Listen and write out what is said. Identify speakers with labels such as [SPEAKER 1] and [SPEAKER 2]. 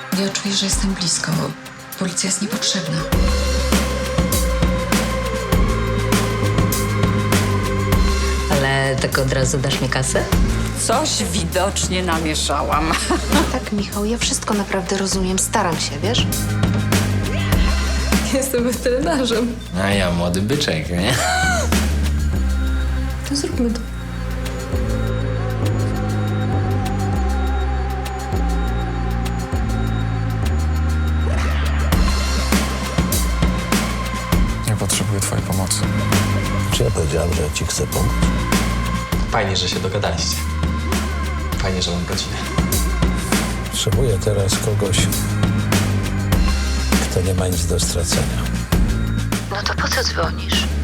[SPEAKER 1] Ja czuję, że jestem blisko. Policja jest niepotrzebna.
[SPEAKER 2] Ale tak od razu dasz mi kasę?
[SPEAKER 3] Coś widocznie namieszałam.
[SPEAKER 4] Tak, Michał, ja wszystko naprawdę rozumiem. Staram się, wiesz?
[SPEAKER 2] Jestem weterynarzem.
[SPEAKER 5] A ja młody byczek, nie?
[SPEAKER 2] To zróbmy to.
[SPEAKER 6] Ja potrzebuję twojej pomocy.
[SPEAKER 7] Czy ja powiedziałem, że ci chcę pomóc?
[SPEAKER 5] Fajnie, że się dogadaliście. Fajnie, że mam godzinę.
[SPEAKER 7] Potrzebuję teraz kogoś, kto nie ma nic do stracenia.
[SPEAKER 4] No to po co dzwonisz?